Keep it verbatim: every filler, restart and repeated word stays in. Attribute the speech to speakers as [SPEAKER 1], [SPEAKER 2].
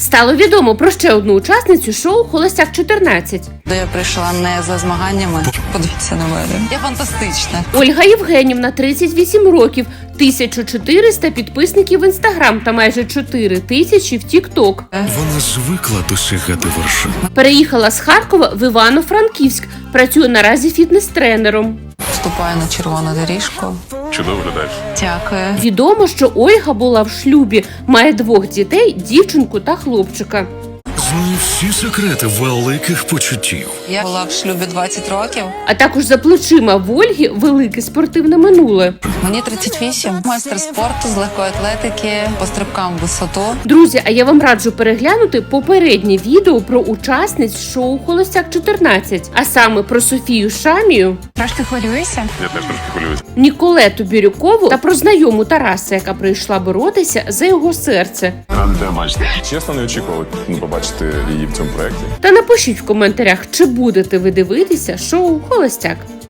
[SPEAKER 1] Стало відомо про ще одну учасницю шоу «Холостяк чотирнадцять».
[SPEAKER 2] Де я прийшла не за змаганнями. Подивіться на мене. Я фантастична.
[SPEAKER 1] Ольга Євгенівна, тридцять вісім років, тисяча чотириста підписників в Інстаграм та майже чотири тисячі в Тік-Ток.
[SPEAKER 3] Вона звикла досягати вершин.
[SPEAKER 1] Переїхала з Харкова в Івано-Франківськ. Працює наразі фітнес-тренером.
[SPEAKER 2] Вступаю на червону доріжку.
[SPEAKER 4] Чудово виглядаєш.
[SPEAKER 2] Дякую.
[SPEAKER 1] Відомо, що Ольга була в шлюбі, має двох дітей, дівчинку та хлопчика.
[SPEAKER 3] Знає всі секрети великих почуттів.
[SPEAKER 2] Я була в шлюбі двадцять років.
[SPEAKER 1] А також за плечима в Ольги велике спортивне минуле.
[SPEAKER 2] Мені тридцять вісім. Майстер спорту з легкої атлетики, по стрибкам в висоту.
[SPEAKER 1] Друзі, а я вам раджу переглянути попереднє відео про учасниць шоу «Холостяк чотирнадцять», а саме про Софію Шамію,
[SPEAKER 5] Трошки хвилююся.
[SPEAKER 4] Я теж трошки хвилююся.
[SPEAKER 1] Ніколету Бірюкову та про знайому Тараса, яка прийшла боротися за його серце.
[SPEAKER 4] Радий тебе бачити. Чесно, не очікував ну, побачити її в цьому проєкті.
[SPEAKER 1] Та напишіть в коментарях, чи будете ви дивитися шоу «Холостяк».